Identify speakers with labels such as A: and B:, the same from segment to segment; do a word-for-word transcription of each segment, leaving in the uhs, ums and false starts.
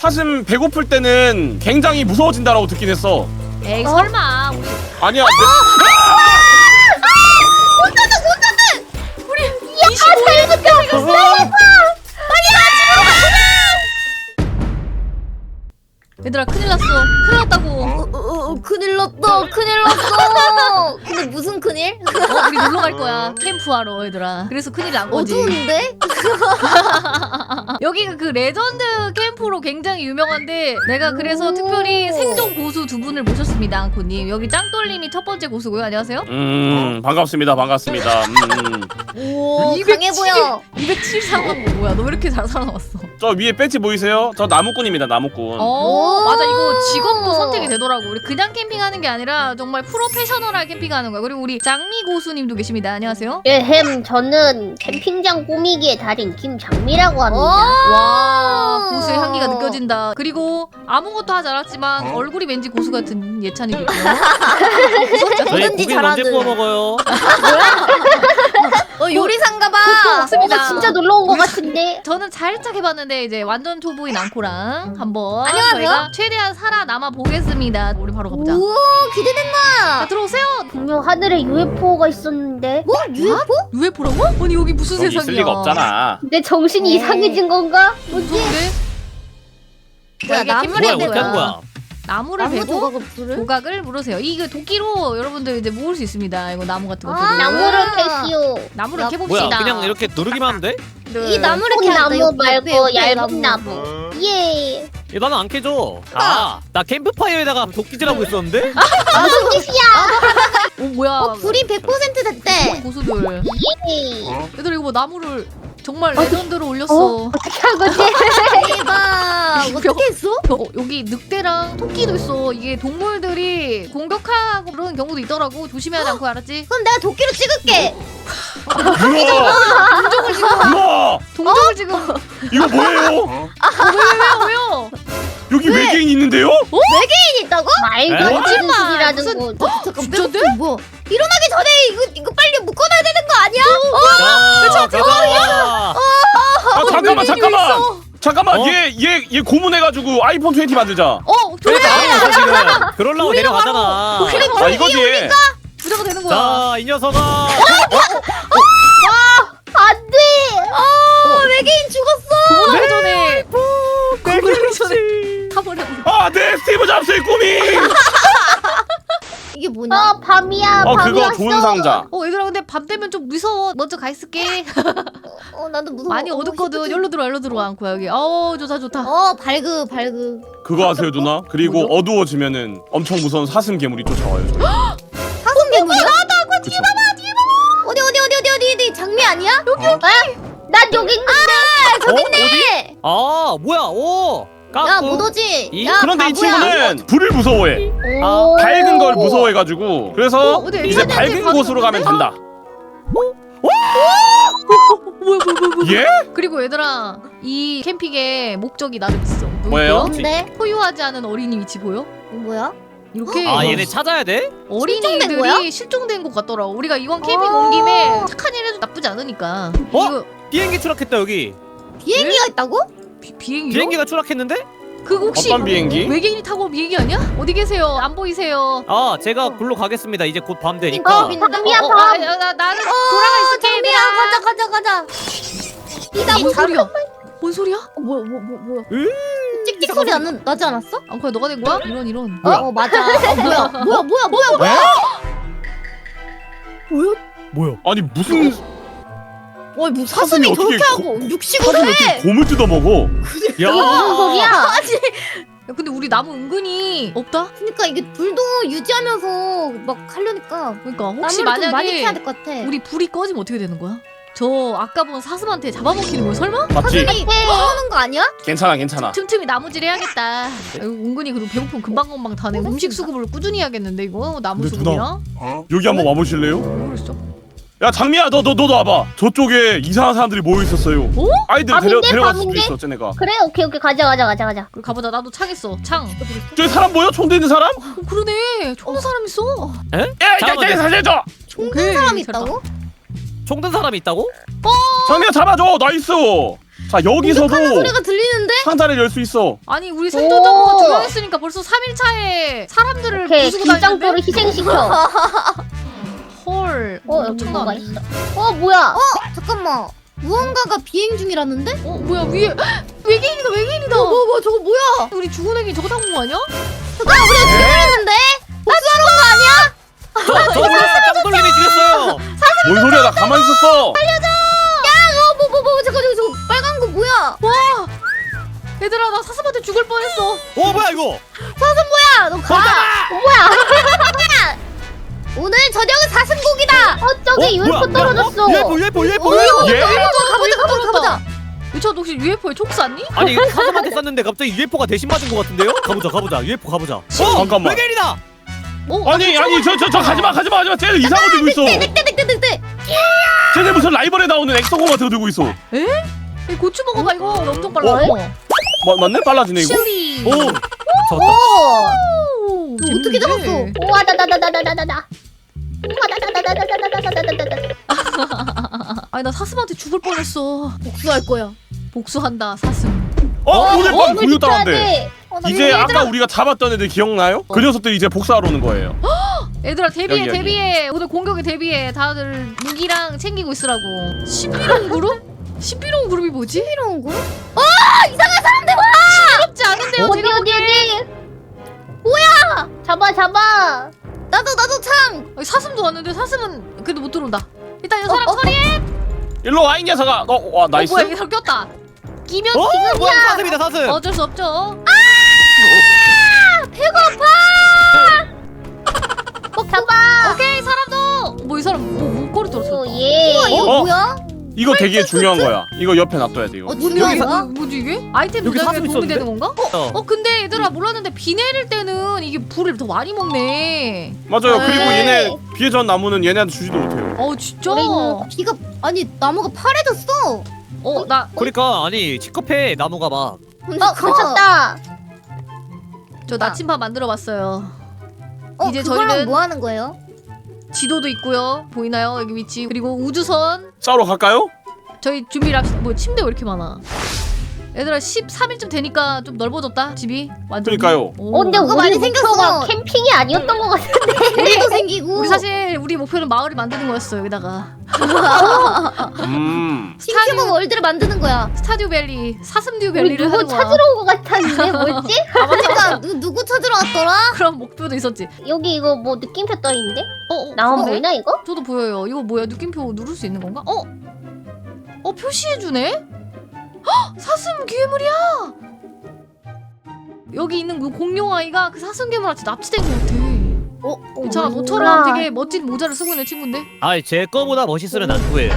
A: 사슴 배고플 때는 굉장히 무서워진다라고 듣긴 했어.
B: 에이 설마 우리
A: 아니야.
B: 얘들아 큰일 났어. 큰일 났다고.
C: 어, 어, 어, 큰일 났다. 큰일 났어. 근데 무슨 큰일?
B: 어, 우리 놀러 갈 거야. 캠프하러 얘들아. 그래서 큰일 난 거지.
C: 어두운데?
B: 여기가 그 레전드 캠프로 굉장히 유명한데 내가 그래서
C: 오.
B: 특별히 생존 고수 두 분을 모셨습니다. 앙코님. 여기 짱돌님이 첫 번째 고수고요. 안녕하세요.
A: 음 반갑습니다. 반갑습니다. 음.
C: 오, 강해 보여.
B: 이백칠십삼 번 뭐야? 너 왜 이렇게 잘 살아남았어?
A: 저 위에 배지 보이세요? 저 나무꾼입니다. 나무꾼.
B: 어
C: 오.
B: 맞아 이거 직업도 선택이 되더라고. 우리 그냥 캠핑하는 게 아니라 정말 프로페셔널하게 캠핑하는 거야. 그리고 우리 장미 고수님도 계십니다. 안녕하세요.
D: 예, 햄, 저는 캠핑장 꾸미기의 달인 김장미라고 합니다.
B: 와 고수의 향기가 느껴진다. 그리고 아무것도 하지 않았지만 얼굴이 왠지 고수 같은 예찬이겠고요.
E: 저희
C: 뭐든지
E: 고기 언제
C: 잘하는.
E: 구워 먹어요?
C: 어, 요리사인가 봐.
B: 없습니다.
D: 어, 진짜 놀러 온 것 같은데.
B: 저는 살짝 해봤는데 이제 완전 초보인 앙코랑 한번
C: 안녕하세요.
B: 저희가 최대한 살아남아 보겠습니다. 우리 바로 가보자.
C: 오, 기대된다.
B: 자, 들어오세요.
D: 분명 하늘에 유에프오가 있었는데
C: 뭐? 유에프오?
B: 유에프라고? 아니 여기 무슨
A: 여기
B: 세상이야?
A: 있을 리가 없잖아.
D: 내 정신이
C: 어.
D: 이상해진 건가?
B: 무서운데?
C: 뭐야,
B: 이게
C: 나무를
E: 뭐야
B: 캠핑인
E: 어떻게 하는 거야?
B: 나무를
C: 나무
B: 베고
C: 조각을 불을?
B: 조각을 물으세요. 이거 도끼로 여러분들 이제 모을 수 있습니다. 이거 나무 같은 거.
C: 아,
D: 나무를 캐시오.
B: 나무를
C: 나-
B: 캐봅시다.
E: 뭐야 그냥 이렇게 누르기만 하면 돼?
B: 네.
C: 이 나무를
D: 큰
C: 캐야 돼.
D: 나무 말고 얇은 나무. 예.
E: 야, 나는 안 캐줘. 아, 나 캠프파이어에다가 도끼질하고 있었는데?
D: 무슨 짓이야?
B: 오 뭐야?
C: 어, 불이 백 퍼센트 됐대.
B: 고수들.
D: 예.
B: 얘들 이거 뭐 나무를 정말 레전드로 올렸어.
D: 어떻게 한 거지?
C: 대박. 어떻게 했어?
B: 어, 여기 늑대랑 토끼도 있어. 이게 동물들이 공격하고 그런 경우도 있더라고. 조심해야 돼 않고 알았지?
C: 그럼 내가 도끼로 찍을게.
A: 우와!
B: 동족을 지금
A: 우와!
B: 동족을 지금
A: 이거 뭐예요?
B: 왜왜왜 왜요?
A: 여기 외계인 있는데요?
C: 외계인 있다고?
D: 말도
E: 에?
D: 안 되는
B: 거짓말.
D: 소리라는
B: 무슨-
D: 거.
C: 잠깐
B: 진짜인데?
C: 배고프 뭐? 일어나기 전에 이거 이거 빨리 묶어놔야 되는 거 아니야?
E: 야, 가자!
A: 아 잠깐만
B: 외계인이
A: 잠깐만.
B: 있어.
A: 잠깐만
E: 어?
A: 얘 얘 얘 고문해가지고 아이폰 이십 만들자.
B: 어
E: 그래,
B: 조심해.
E: 나왔어, 지금. 그러려고 내려가잖아.
A: 아 이거지.
B: 무조건 되는 거야.
E: 자, 이 녀석아.
D: 안 돼.
C: 어, 외계인 죽었어.
B: 고문하기 전에 고문하기 전에 타버려.
A: 아네 스티브 잡스의 꿈이.
C: 이게 뭐냐?
D: 어, 밤이야.
A: 어
D: 밤이
A: 그거
D: 왔어.
A: 좋은 상자.
B: 어 얘들아 근데 밤 되면 좀 무서워. 먼저 가 있을게.
C: 어, 나도 무서워.
B: 많이
C: 어,
B: 어둡거든.
C: 시끄럽지.
B: 열로 들어 열로 들어와 않고 여기. 어 좋다 좋다.
C: 어, 발그 발그.
A: 그거 아세요 누나? 그리고
B: 뭐죠?
A: 어두워지면은 엄청 무서운 사슴 괴물이 쫓아와요. 저희.
C: 사슴 괴물이야?
A: 그쵸?
C: 어디 어디 어디 어디 어디 어디 장미 아니야? 여기
A: 어?
D: 난 여기 있는데.
E: 어? 어디? 아, 뭐야? 오! 깎고.
C: 야 못오지.
E: 이-
C: 야
A: 그런데 이
C: 바보야.
A: 친구는 불을 무서워해.
D: 오.
A: 밝은 걸 무서워해가지고 그래서
B: 어, 어디
A: 이제
B: 애기한테
A: 밝은
B: 가는
A: 곳으로 가면
B: 건데?
A: 된다.
B: 뭐야 뭐야 뭐야 뭐야.
A: 예?
B: 그리고 얘들아 이 캠핑의 목적이 나름 있어.
A: 뭐예요?
C: 뭔데?
B: 소유하지 않은 어린이 위치 보여?
C: 뭐야?
B: 이렇게
E: 아, 얘네 찾아야 돼?
B: 어린이들이
C: 거야?
B: 실종된 것 같더라고. 우리가 이번 캠핑
C: 어.
B: 온 김에 착한 일 해도 나쁘지 않으니까.
E: 어?
B: 이거
E: 비행기 추락했다, 여기.
C: 비행기가 있다고?
B: 비, 비행기요?
E: 비행기가 추락했는데?
B: 그 혹시
A: 어떤 비행기?
B: 외계인이 타고 온 비행기 아니야? 어디 계세요? 안 보이세요?
E: 아, 제가 굴로 가겠습니다. 이제 곧 밤
C: 어,
E: 되니까.
C: 민다.
D: 밤이야,
B: 어, 어,
D: 밤.
B: 아, 야, 나, 나는 돌아가 있을게.
C: 장미야 가자 가자 가자.
B: 이 뭔 소리야? 뭔 소리야?
C: 어, 뭐야 뭐 뭐 뭐야?
E: 으,
C: 찍찍 소리 안 나지 않았어?
B: 앙코야 너가 된 거야? 이런 이런.
E: 뭐야?
C: 어 맞아. 어, 뭐야 뭐야 뭐야 뭐야 뭐야?
E: 뭐야?
A: 아니 무슨
C: 와, 뭐
A: 사슴이
C: 사슴이
A: 어떻게
C: 저렇게
A: 고-
C: 하고 육식을
A: 사슴이
C: 해?
A: 어떻게 곰을 뜯어 먹어?
E: 야,
D: 무슨 소리야?
C: 아니,
B: 야, 근데 우리 나무 은근히 없다?
C: 그러니까 이게 불도 유지하면서 막 하려니까
B: 그러니까 혹시
C: 나무를 좀 많이 캐야
B: 만약에
C: 될 것 같아.
B: 우리 불이 꺼지면 어떻게 되는 거야? 저 아까 본 사슴한테 잡아먹히는 거야 설마?
A: 맞지?
C: 사슴이 떠오는 거 아니야?
A: 괜찮아 괜찮아.
B: 틈틈이 나무질 해야겠다. 아이고, 은근히 그리고 배고픔 금방금방 타네. 음식 수급을 꾸준히 해야겠는데 이거 나무
A: 근데
B: 수급이랑.
A: 여기 한번 와보실래요?
B: 모르겠어.
A: 야 장미야 너 너 너도 와봐. 저쪽에 이상한 사람들이 모여 있었어요.
B: 어?
A: 아이들
D: 밤인데,
A: 데려 데려갈 수도
D: 밤인데?
A: 있어 쟤네가.
D: 그래, 오케이, 오케이. 가자, 가자, 가자, 가자.
B: 그래 가보자. 나도 창 있어. 창. 어,
A: 저기 사람 보여? 총 드는 사람?
B: 그러네. 총는 사람 있어.
E: 에?
A: 야, 야,
E: 잠깐만,
A: 야, 살려줘.
C: 총든 사람이 있다고?
E: 총든 사람이 있다고?
A: 장미야 잡아줘. 나이스. 자 여기서도
C: 소리가 들리는데?
A: 상자를 열 수 있어.
B: 아니 우리 생존자가 두 명 했으니까 벌써 삼 일 차에 사람들을
D: 오케이
B: 부수고 다니는데?
D: 김장도를 희생시켜.
B: 헐.
D: 어 여기
B: 엄청나네.
D: 뭐가 있어. 어 뭐야?
C: 잠깐만. 무언가가 비행 중이라는데?
B: 어 뭐야 위에 외계인이다 외계인이다.
C: 뭐, 뭐, 뭐, 저거 뭐야?
B: 우리 죽은 애기 저거 타고 온 거 아니야?
C: 잠깐만, 우리가 죽여버렸는데? 복수하러 온 거 아니야?
E: 저, 저 뭐야 짱돌림이 죽였어요.
A: 뭔 소리야? 나 가만히 있었어.
C: 어, 뭐, 뭐, 뭐, 잠깐, 저거, 저거 빨간 거 뭐야?
B: 와 얘들아 나 사슴한테 죽을 뻔했어.
E: 어 뭐야 이거?
C: 야, 너 가! 오늘 저녁은 사슴고기다!
D: 어 저기 유에프오 떨어졌어.
E: 유에프오 유에프오 유에프오
C: 어,
E: 유에프오.
B: 예?
C: 가보자, 가보자, 가보자!
B: 유찬 혹시 유에프오에 촉 쐈니?
E: 아니 이거 사슴한테 쐈는데 갑자기 유에프오가 대신 맞은 것 같은데요? 가보자 가보자 유에프오 가보자. 어
A: 잠깐만.
E: 외계인이다.
B: 어?
A: 아니 아니 저 저 저 가지마 가지마 가지마. 쟤들 이상한 거 들고 있어.
C: 늑대, 늑대, 늑대!
A: 쟤네 무슨 라이벌에 나오는 엑소고 같은 거 들고 있어.
B: 이 고추 먹어봐 이거 엄청 빨라.
A: 어? 마, 맞네? 빨라지네 이거.
B: 칠리.
E: 오
D: 오.
E: 졌다.
B: 오,
C: 너 어떻게
B: 재밌는데?
C: 잡았어?
D: 우와 다다다다다다다다. 우와 다다다다다다다다다다.
B: 아니 나 사슴한테 죽을 뻔했어.
C: 복수할 거야.
B: 복수한다 사슴.
A: 어 오늘 밤
D: 이걸
A: 구유
D: 지켜야
A: 따라한대.
D: 돼.
C: 어, 나
A: 이제
C: 이거
A: 아까 우리가 잡았던 애들 기억나요? 그 녀석들이 이제 복사하러 오는 거예요.
B: 얘들아 대비해
A: 여기, 여기.
B: 대비해. 오늘 공격에 대비해. 다들 무기랑 챙기고 있으라고. 신비로운 그룹? 신비로운 그룹이 뭐지?
C: 필요한 거?
B: 부럽지 않은데요
D: 어디
B: 제가
D: 어디
B: 보기엔.
D: 어디? 뭐야? 잡아 잡아.
C: 나도, 나도 참!
B: 아니, 사슴도 왔는데 사슴은 그래도 못 들어온다. 일단 이 사람 처리해.
A: 일로 와 이 녀석아. 어와 나이스.
B: 어, 뭐야 이거 꼈다. 끼면
E: 어 뭐야 사슴이다 사슴.
B: 어쩔 수 없죠.
D: 잡아.
B: 오케이 사람도. 뭐 이 사람 뭐 목걸이 들었어.
D: 오 예.
C: 우와, 이거
A: 어?
C: 뭐야?
A: 이거 되게 중요한 거야. 이거 옆에 놔둬야 돼 이거.
C: 어, 중요한
B: 여기
C: 거야?
B: 뭐, 뭐지 이게? 아이템
E: 여기
B: 조작에
E: 사슴
B: 도움이
E: 있었는데?
B: 되는 건가?
E: 어.
B: 어 근데 얘들아 몰랐는데 비 내릴 때는 이게 불을 더 많이 먹네.
A: 맞아요.
B: 네.
A: 그리고 얘네 비해전 나무는 얘네한테 주지도 못해요.
B: 어 진짜?
D: 우리는
C: 비가, 아니, 나무가 파래졌어!
B: 어나
E: 그러니까 아니 치커페 나무가 막.
C: 근데
D: 어 갇혔다.
B: 저 나침반 만들어봤어요.
C: 어,
B: 이제
C: 그걸로
B: 저희는-
C: 뭐 하는 거예요?
B: 지도도 있고요. 보이나요? 여기 위치. 그리고 우주선.
A: 싸우러 갈까요?
B: 저희 준비를 합시다. 뭐 침대 왜 이렇게 많아? 얘들아 십삼 일쯤 되니까 좀 넓어졌다 집이. 완전.
A: 그러니까요.
D: 어 근데
C: 뭐가
D: 우리
C: 많이
D: 목표가
C: 생겼어.
D: 캠핑이 아니었던 것 같은데.
C: 우리도 생기고.
B: 우리 사실 우리 목표는 마을을 만드는 거였어 여기다가.
A: 음.
C: 싱큐브 월드를 만드는 거야.
B: 스타듀 밸리, 사슴듀
D: 우리
B: 밸리를
D: 누구
B: 하는 거야.
D: 찾으러 온 것 같았는데 뭐였지?
B: 아 맞아.
C: 그러니까 누, 누구 찾으러 왔더라?
B: 그런 목표도 있었지.
D: 여기 이거 뭐 느낌표 떠 있는데?
B: 어, 어
D: 나만
B: 그러네?
D: 보이나 이거?
B: 저도 보여요. 이거 뭐야? 느낌표 누를 수 있는 건가? 어? 어 표시해주네? 헉! 사슴 괴물이야! 여기 있는 그 공룡 아이가 그 사슴 괴물한테 납치된 것 같아.
C: 어?
B: 괜찮아.
D: 뭐야.
B: 너처럼 되게 멋진 모자를 쓰고 있는 친구인데?
E: 아이 제 거보다 멋있으면 안 구해요.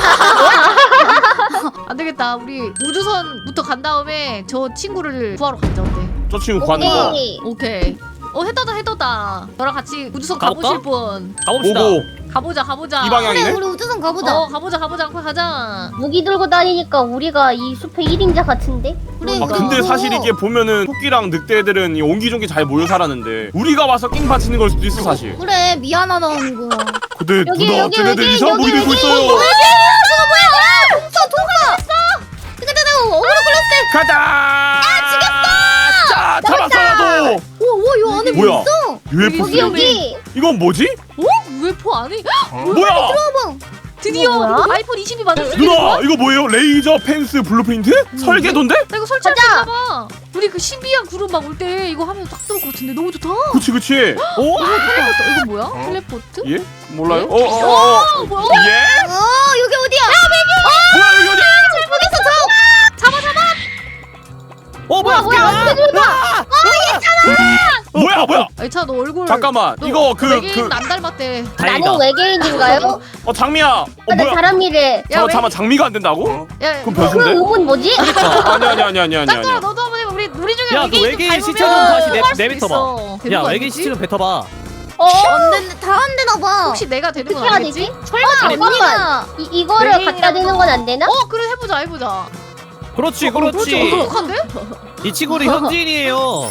B: 안 되겠다. 우리 우주선부터 간 다음에 저 친구를 구하러 가자. 어때?
A: 저 친구 구하는 거.
D: 오케이.
B: 오케이. 어 해떠다 해떠다. 너랑 같이 우주선
E: 가볼까?
B: 가보실 분.
E: 가봅시다.
A: 오고
B: 가보자 가보자.
A: 이 방향이네.
C: 그래, 우리 우주선 가보자.
B: 어 가보자 가보자 빨리 가자.
D: 무기 들고 다니니까 우리가 이 숲의 일 인자 같은데?
C: 그래,
A: 아 근데
C: 이거.
A: 사실 이게 보면은 토끼랑 늑대들은 이 옹기종기 잘 모여 살았는데 우리가 와서 낑 바치는 걸 수도 있어 사실.
C: 그래, 미안하다는 거.
A: 근데
D: 여기,
A: 누나
D: 여기,
A: 쟤네들
D: 여기,
A: 이상한 무기
D: 여기,
A: 들고
D: 여기.
A: 있어요.
C: 동서, 동서! 잠깐, 잠깐, 어그로 끌렸을 때.
A: 가자. 죽였어. 자 잡았어 나도.
C: 오, 오, 요 안에
A: 뭐야?
C: 뭐 있어?
A: 유에프오.
D: 여기 여기.
A: 이건 뭐지?
B: 어? 유에프오 안에
A: 뭐야?
C: 봐봐.
B: 드디어
D: 이거 뭐야?
B: 아이폰 이십이 만들 수 있는 거야?
A: 누나 이거 뭐예요? 레이저 펜스 블루프린트? 설계도인데?
B: 나 이거 설치할 수 있나 봐. 우리 그 신비한 그룹 막 올 때 이거 하면 딱 들을 것 같은데 너무 좋다.
A: 그치 그치.
E: 오?
B: 텔레포트 이거 뭐야? 텔레포트?
A: 예? 몰라요?
B: 예?
A: 어어어 어, 어.
B: 어, 뭐야?
A: 예?
C: 어, 여기 어디야?
A: 뭐야 여기 어디야?
C: 잘못했어, 저!
B: 잡아 잡아.
E: 어 뭐야
D: 뭐야,
E: 뭐야?
A: 뭐야 뭐야?
B: 아차 너 얼굴.
A: 잠깐만
B: 너
A: 이거 그
B: 외계인
A: 그
B: 안 닮았대.
E: 다행이다.
D: 나는 외계인인가요?
A: 어 장미야. 어
D: 아, 나
A: 뭐야?
D: 사람이래.
B: 야,
A: 잠깐
B: 왜-
A: 잠깐 장미가 안 된다고?
B: 야,
A: 그럼
D: 그
A: 변수인데?
D: 의문 뭐지?
A: 아니 아니 아니 아니 아니
B: 짱돌아
A: 아니.
B: 너도 한번 해봐. 우리 우리 중에
E: 야, 그
B: 외계인
E: 외계인
B: 좀
E: 시체 좀
B: 닮으면
E: 다시 내-
B: 통화할 수도
E: 내뱉어봐.
B: 있어. 되는
E: 야
B: 거
E: 외계인
B: 아니지?
E: 시체 좀 뱉어봐.
D: 어?
C: 안 됐네, 다 안 되나 봐.
B: 혹시 내가 되는 건
D: 어떻게 해야
B: 아니겠지?
D: 되지? 설마 잠깐만. 이 이거를
B: 외계인이랑
D: 갖다 대는 건 안 되나?
B: 어 그래 해보자 해보자.
E: 그렇지
B: 어, 그렇지.
E: 그렇지.
B: 어떡한데?
E: 이 친구는 현지인이에요.
A: 우와.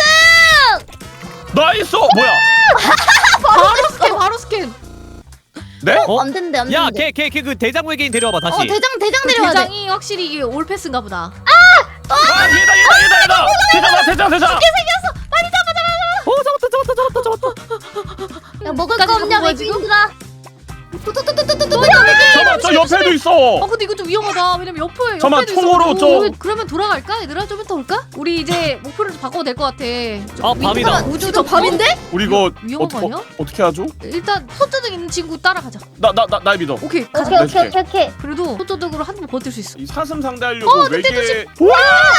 A: 나이스. 뭐야?
B: 바로 스캔 바로 스캔.
A: 네?
E: 어?
C: 안 된대 안 된대.
E: 야걔 걔 걔 그 대장 외계인 데려와봐 다시.
C: 어 대장 대장
B: 그
C: 내려야 돼.
B: 대장이 확실히 이게 올패스인가 보다.
A: 아 얘다 얘다 얘다 얘다. 대장아 대장 대장.
E: 어 잡았다 잡았다 잡았다 잡았다.
C: 야 먹을
B: 끝까지
C: 거 없냐
B: 잡은 거야, 지금?
C: 외계인들아. 또또또또또또
A: 잠깐만 저 옆에도 있어.
B: 아 근데 이거 좀 위험하다. 왜냐면 옆에
A: 잠깐만,
B: 옆에도
A: 총으로
B: 있어가지고.
A: 저-
B: 그러면 돌아갈까? 얘들아 좀 이따 올까? 우리 이제 목표를 좀 바꿔도 될 것 같아.
E: 아 밤이다.
B: 우주
C: 저 밤인데?
A: 우리 이거
B: 위험한
A: 어떻게
B: 거 아니야?
A: 어떻게 하죠?
B: 일단 손전등 있는 친구 따라가자.
A: 나 나 나 날 믿어.
B: 오케이 가자.
D: 오케이 오케이 오케이 오케이.
B: 그래도 손전등으로 한 번 버틸 수 있어.
A: 이 사슴 상대하려고
B: 어, 늑대
A: 외계.
B: 조심.
A: 우와!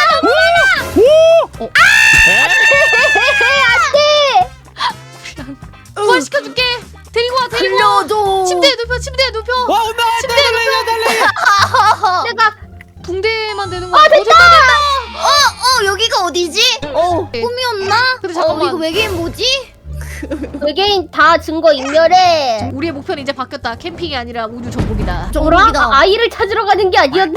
B: 부활시켜줄게. 데리고 와 데리고 와.
C: 들려줘.
B: 침대에 눕혀 침대에 눕혀.
E: 와 온다.
B: 침대에 눕혀.
D: 내가
B: 붕대만 되는 거야.
C: 어 여기가 어디지? 어
B: 네.
C: 꿈이었나?
B: 근데
C: 어
B: 잠깐만.
C: 이거 외계인 뭐지?
D: 외계인 다 증거 인멸해.
B: 우리의 목표는 이제 바뀌었다. 캠핑이 아니라 우주 정복이다.
D: 뭐라?
C: 정복이다.
D: 아, 아이를 찾으러 가는 게 아니었나?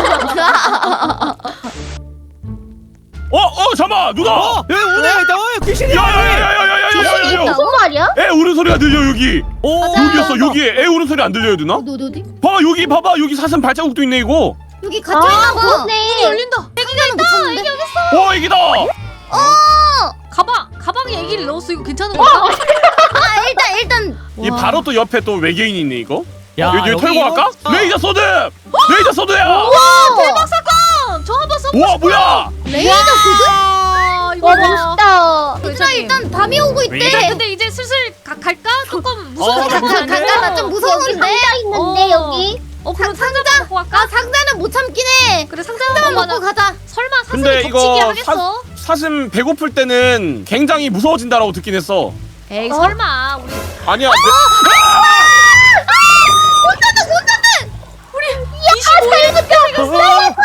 A: 어, 어, 잠깐만, 누나.
E: 어 여기 오네 있다. 어 귀신이야.
A: 야야야야야야야야야.
D: 무슨 말이야?
A: 애 우는 소리가 들려 여기.
E: 오
A: 여기였어 여기. 애 우는 소리 안 들려요 누나?
C: 어디 어디 어디?
A: 봐봐 여기 봐봐 여기 사슴 발자국도 있네 이거.
C: 여기 갇혀 있나 봐.
D: 그렇네.
B: 열린다.
C: 애기가는 못 찾는데.
A: 어 애기다.
B: 가방 가방에 애기를 넣었어. 이거 괜찮은 거야?
C: 아 일단 일단
A: 이
B: 와.
A: 바로 또 옆에 또 외계인이 있네 이거.
E: 야
A: 여기 여기 털고
E: 이거-
A: 갈까?
E: 어.
A: 레이저 소드. 레이저 소드야.
B: 대박 사건. 저 한번 써.
A: 우와 뭐야?
C: 레이저 소드?
B: 아 이거
D: 와
B: 봐.
D: 멋있다.
C: 얘들아 일단 밤이 오고
B: 자,
C: 있대.
B: 근데 이제 슬슬 가, 갈까? 조금
E: 어,
B: 무서운
E: 나
B: 거
E: 무서운데?
B: 아니야?
C: 나 좀
D: 여기
C: 무서운데.
D: 상자 있는데
B: 어.
D: 여기.
B: 어 그럼
C: 상-
B: 상자 먹고 갈까?
C: 아 상자는 못 참긴 해.
B: 그래 상자
C: 상자만
B: 먹고
C: 먹고
B: 가자.
C: 가자.
B: 설마 사슴이
A: 근데
B: 덮치기
A: 이거
B: 하겠어?
A: 사슴 배고플 때는 굉장히 무서워진다라고 듣긴 했어.
B: 에이 설마 우리
A: 아니야.
B: 이십오 일 생겼어.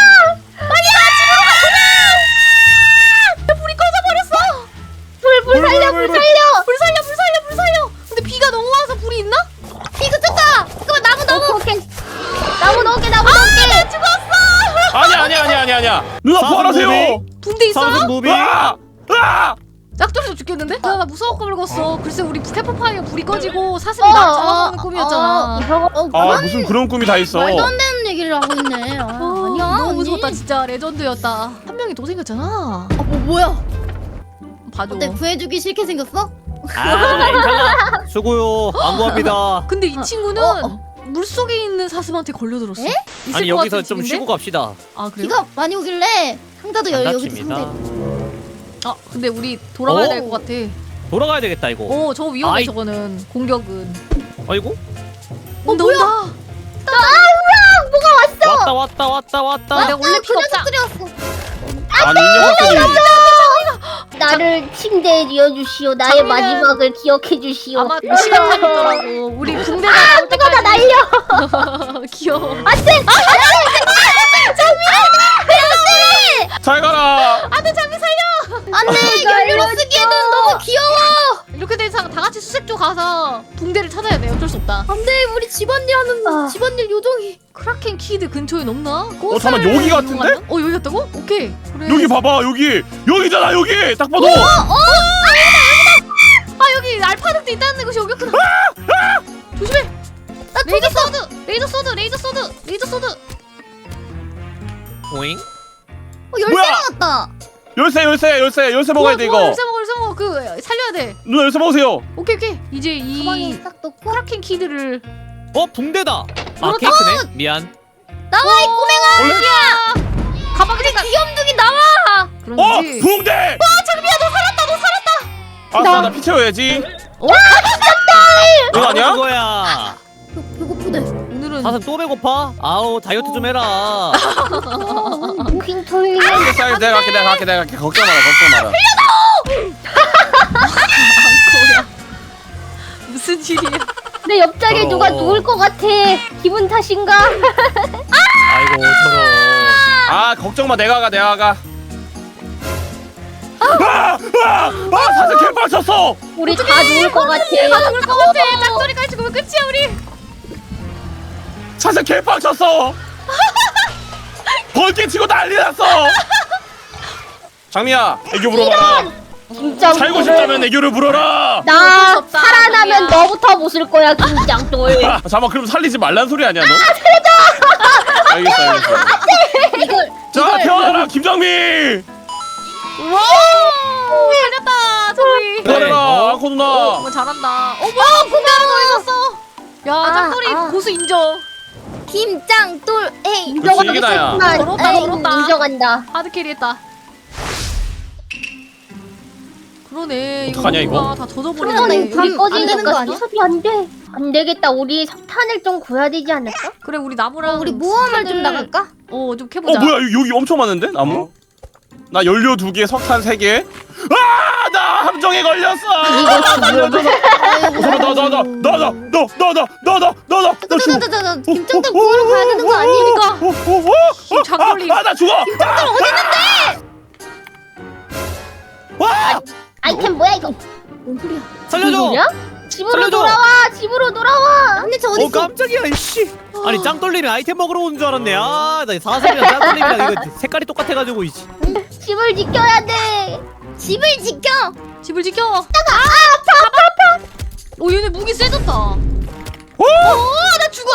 B: 불이 꺼져버렸어.
D: 불불 살려 불 살려.
B: 불 살려 불 살려 불 살려. 근데 비가 너무 와서 불이 있나?
C: 비 그쳤다. 잠깐만 나무 나무.
D: 오케이 오케이. 나무 넣을게 나무 넣을게.
B: 죽었어.
A: 아니야 아니야 아니야 아니야 아니야. 누나
E: 사슴
A: 부활하세요.
E: 무빙.
B: 붕대 있어요?
E: 사슴 무빙.
A: 아! 아!
B: 짝돌이도 죽겠는데? 나, 나 무서워 꿈을 꿨어. 글쎄 우리 스태프파이어 불이 꺼지고 사슴이
C: 어,
B: 나
C: 어,
B: 잡아먹는
C: 어,
B: 꿈이었잖아.
C: 어,
A: 아
C: 그만.
A: 무슨 그런 꿈이 다 있어.
C: 말도 안 되는 얘기를 하고 있네. 아,
B: 아,
C: 아니야.
B: 너무
C: 언니.
B: 무서웠다 진짜. 레전드였다. 한 명이 더 생겼잖아.
C: 아, 뭐 뭐야?
B: 봐줘.
C: 어때 구해주기 싫게 생겼어?
E: 아 괜찮아. 수고요. 안 구합니다.
B: 근데 이 친구는
C: 어,
B: 물속에 있는 사슴한테 걸려들었어.
C: 에?
B: 있을
E: 아니
B: 것
E: 여기서
B: 같은
E: 좀
B: 집인데?
E: 쉬고 갑시다.
B: 아 그래요?
C: 비가 많이 오길래 상자도 열
E: 안
C: 여기도
E: 다칩니다.
C: 상자.
B: 아 근데 우리 돌아가야
E: 어?
B: 될 것 같아.
E: 돌아가야 되겠다 이거.
B: 어 저거 위험해
E: 아이.
B: 저거는. 공격은.
E: 아이고.
B: 온다 온다.
E: 왔다 왔다 왔다 왔다.
B: 아, 내가 원래
C: 그
B: 피가 없다.
C: 녀석들이 왔어.
A: 아니 이 녀석들이.
D: 나를 침대에 뉘어주시오. 나의
B: 장미는-
D: 마지막을 기억해 주시오.
B: 아마 시간 차겠더라고. 우리 붕대가 나올
D: 누가 다
B: 때까지.
D: 날려.
B: 귀여워.
A: 잘 가라.
B: 안돼 장미 살려.
C: 안돼 연료로 쓰기에는 너무 귀여워.
B: 이렇게 된 이상 다 같이 수색조 가서 붕대를 찾아야 돼. 어쩔 수 없다.
C: 안돼 우리 집안일 하는
D: 아.
C: 집안일 요정이.
B: 크라켄 키드 근처에 없나?
A: 어, 잠깐만, 여기 같은데?
B: 어 여기 같다고? 오케이. 그래.
A: 여기 봐봐 여기 여기잖아 여기 딱 봐도.
B: 아 여기 알파늑대 있다는 곳이 여기였구나. 조심해.
C: 나
B: 레이저 소드, 레이저 소드, 레이저 소드, 레이저 소드.
E: 오잉.
C: 어, 열쇠
A: 뭐야?
C: 나왔다.
A: 열쇠 열쇠 열쇠 열쇠 먹어야 돼
B: 좋아, 좋아,
A: 이거.
B: 열쇠 먹어, 열쇠 먹어. 그 살려야 돼.
A: 누나 열쇠 먹으세요.
B: 오케이 오케이. 이제
C: 가방에
B: 이
C: 딱 넣고.
B: 크라켄 키드를.
E: 어 붕대다. 아
B: 어,
E: 케이크네. 미안.
C: 나와 이 꼬맹아.
A: 원래
B: 가방에 잠깐.
C: 귀염둥이 나와.
A: 어
B: 그런지.
A: 붕대. 와 장미야 너 살았다 너 살았다. 아싸 나피 채워야지. 이거 아니야?
E: 그거야.
C: 배, 배고프대.
B: 오늘은
E: 사슴 또 배고파? 아우 다이어트 좀 해라.
D: 무빙 털리.
A: 알겠어 내가 갈게 내가 갈게 내가 갈게 걱정 마라 걱정 마라.
B: 앙코야. 무슨 일이야?
D: 내 옆자리에
E: 더러워.
D: 누가 누울 것 같아. 기분 탓인가?
E: 아이고 저런.
A: 아 걱정 마 내가 가 내가 가. 아! 아! 아! 사슴 개빡 쳤어!
D: 우리 다 누울 것 같아.
B: 다 죽을 것 같아. 짝소리까지 죽으면 끝이야 우리.
A: 사슴 개빡 쳤어! 벌개 치고 난리 났어! 장미야 애교 물어봐라.
D: 김짱돌.
A: 살고 싶다면 애교를 부려라.
B: 어쩔 수
D: 나
B: 없다,
D: 살아나면
B: 자기야.
D: 너부터 모실 거야 김짱돌.
A: 아, 잠깐만 그럼 살리지 말란 소리 아니야 너? 살려줘. 알겠어 알겠어.
C: 이걸
A: 자 태어나라 김정민.
B: 와 살렸다 저기.
A: 태어나라 아코 누나.
B: 정말 잘한다. 어 뭐야 군대는 더 있었어. 야
C: 아,
B: 짱돌이
C: 아.
B: 고수 인정.
C: 김짱돌 에이.
A: 그렇지, 이게 나야.
B: 저렇다,
D: 에이,
B: 저렇다.
D: 인정한다.
B: 하드캐리했다. 그러네.
A: 어떡하냐,
B: 이거
A: 이거?
B: 뭔가 다
C: 그러네,
B: 젖어버리네.
C: 이거.
D: 불이
C: 안 되는 거
D: 꺼지니까
C: 아니야?
D: 수습이 안 돼. 안 되겠다. 우리 석탄을 좀 구해야 되지 않을까?
B: 그래 우리 나무랑
C: 우리 모험을 좀
B: 스타들-
C: 나갈까?
B: 어좀
A: 어
B: 캐보자.
A: 뭐야 여기, 여기 엄청 많은데 나무? 나 연료 두 개, 석탄 세 개. 아, 나 함정에 걸렸어. 나나나나나나나나나나나 죽어.
C: 자자자자 김짱돌 구하러 가야 되는 거 아니니까.
B: 지금 장돌림.
A: 아나 죽어. 김장돌 어디 있는데? 와!
D: 아이템 뭐야 이거?
C: 뭔 소리야?
E: 살려줘.
D: 뭐야? 집으로
E: 살려줘.
D: 돌아와. 집으로 돌아와.
C: 근데 저
E: 어
C: 어디 있어?
E: 깜짝이야 이씨. 아니 짱돌림이 아이템 먹으러 오는 줄 알았네. 아나 사슴이랑 짱돌림이랑 이거 색깔이 똑같아가지고 이씨.
D: 집을 지켜야 돼.
C: 집을 지켜.
B: 집을 지켜. 아, 아파 아파 아파. 오 얘네 무기 세졌다.
A: 오!
B: 어나 죽어.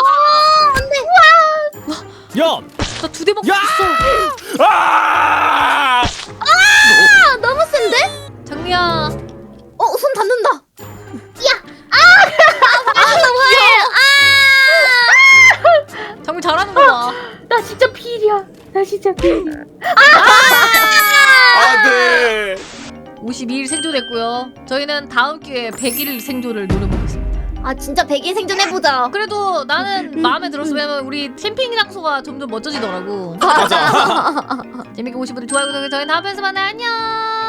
C: 안돼.
E: 야.
B: 나 두 대 먹고
E: 야!
B: 있어.
A: 아!
C: 아 너무 센데?
B: 장미야.
C: 어손 닿는다.
B: 장미 잘하는구나.
D: 나 진짜 필이야. 나 진짜 필.
A: 안돼.
B: 오십이 일 생존했고요. 저희는 다음 기회에 백 일 생존을 노려보겠습니다.
C: 아 진짜 백일 생존해보자.
B: 그래도 나는 마음에 들었어. 왜냐면 우리 캠핑 장소가 점점 멋져지더라고.
A: 맞아.
B: 재밌게 보신 분들 좋아요, 구독, 저희 다음 편에서 만나요. 안녕.